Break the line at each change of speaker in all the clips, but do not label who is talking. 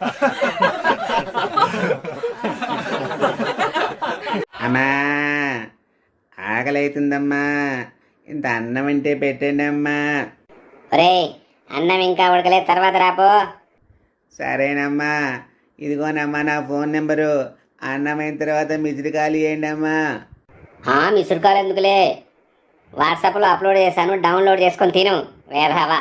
అమ్మా ఆకలైతుందమ్మా, ఇంత అన్నం అంటే పెట్టండి అమ్మా.
ఒరే అన్నం ఇంకా ఉడకలే, తర్వాత రాపో.
సరేనమ్మా, ఇదిగోనమ్మా నా ఫోన్ నెంబరు. అన్నమైన తర్వాత మిసిరి ఖాళీ చేయండి అమ్మా.
మిస్డ్ కాల్ ఎందుకులే, వాట్సాప్లో అప్లోడ్ చేశాను, డౌన్లోడ్ చేసుకొని తిను వేధవా.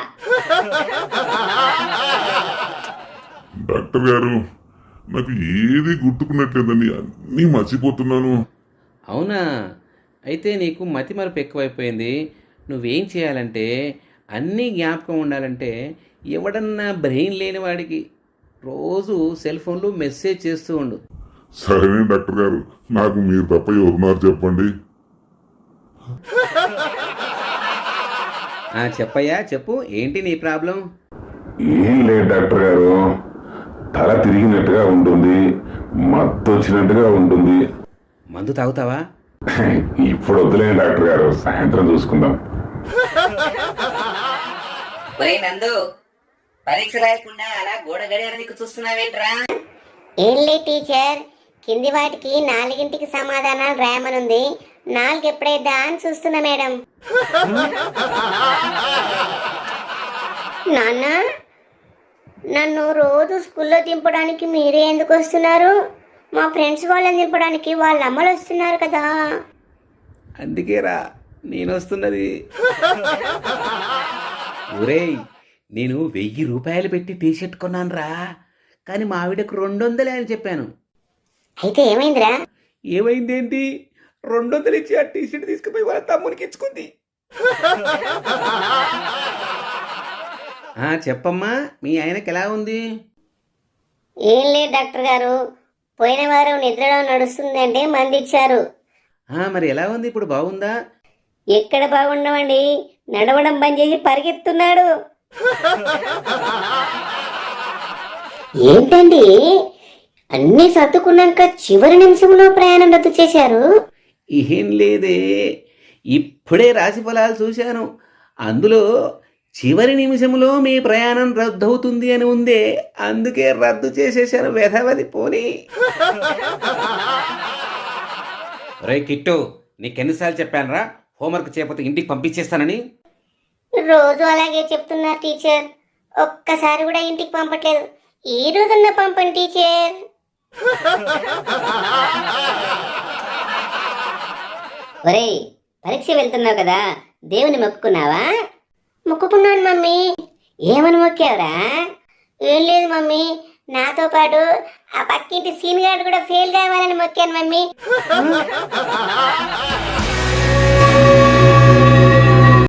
డాక్టర్ గారు, నాకు ఏది గుర్తుకున్నట్లేదండి, అన్నీ మర్చిపోతున్నాను.
అవునా? అయితే నీకు మతిమరుపు ఎక్కువైపోయింది. నువ్వేం చేయాలంటే, అన్నీ జ్ఞాపకం ఉండాలంటే ఎవడన్నా బ్రెయిన్ లేని వాడికి రోజు సెల్ ఫోన్లో మెసేజ్ చేస్తూ ఉండు.
సరేనే డాక్టర్ గారు, నాకు మీరు తప్ప ఎవరున్నారు చెప్పండి.
చెప్పయ్యా, చెప్పు, ఏంటి నీ ప్రాబ్లం?
ఏం లేదు డాక్టర్ గారు, తల తిరిగినట్టుగా ఉంటుంది, మత్తు వచ్చినట్టుగా ఉంటుంది.
మందు తాగుతావా?
ఇప్పుడు వద్దులేండి డాక్టర్ గారు, సాయంత్రం చూసుకుందాం.
నందు, పరీక్ష రాయకుండా అలా గోడ గడియారానికి చూస్తున్నావేంట్రా?
ఏం లే టీచర్, కింది వాటికి 4ంటికి సమాధానాలు రాయమనుంది, 4 ఎప్పుడైద్దా అని చూస్తున్నా మేడం. నాన్న, నన్ను రోజు స్కూల్లో దింపడానికి మీరే ఎందుకు వస్తున్నారు? మా ఫ్రెండ్స్ వాళ్ళని దింపడానికి వాళ్ళ అమ్మలు వస్తున్నారు కదా.
అందుకేరా నేను వస్తున్నది. ఒరేయ్, నేను 1000 రూపాయలు పెట్టి టీషర్ట్ కొన్నాను రా, కానీ మా ఆవిడకు 200 అని చెప్పాను.
అయితే ఏమైందిరా?
ఏమైందేంటి, 200 ఇచ్చి ఆ టీషర్ట్ తీసుకుపోయి వాళ్ళ తమ్మునికి ఇచ్చుకుంది. చెప్పమ్మా, మీ ఆయనకి ఎలా ఉంది?
ఏం లేదు డాక్టర్ గారు, పోయిన వారం నిద్రలో నడుస్తుందంటే మంది ఇచ్చారు.
మరి ఎలా ఉంది ఇప్పుడు, బాగుందా?
ఎక్కడ బాగుండవండి, నడవడం బంద్ చేసి పరిగెత్తున్నాడు. ఏంటండి, అన్ని సర్దుకున్నాక చివరి నిమిషంలో ప్రయాణం రద్దు చేశారు?
ఏం లేదే, ఇప్పుడే రాశి ఫలాలు చూశాను, అందులో చివరి నిమిషంలో మీ ప్రయాణం రద్దవుతుంది అని ఉందే, అందుకే రద్దు చేసేసాను. వెధవది పోనీ. రే కిట్టు, నీకెన్నిసార్లు చెప్పానురా హోంవర్క్ చేయకపోతే ఇంటికి పంపించేస్తానని?
రోజు అలాగే చెప్తున్నారు టీచర్, ఒక్కసారి కూడా ఇంటికి పంపట్లేదు. ఈ రోజున్న పంపండి టీచర్.
ఒరేయ్, పరీక్ష వెళ్తున్నావు కదా, దేవుని మొక్కుకున్నావా?
మొక్కుకున్నాను మమ్మీ.
ఏమని మొక్కావురా?
ఏం లేదు మమ్మీ, నాతో పాటు ఆ పక్కింటి సీన్ గార్డు కూడా ఫెయిల్ కావాలని మొక్కాను మమ్మీ.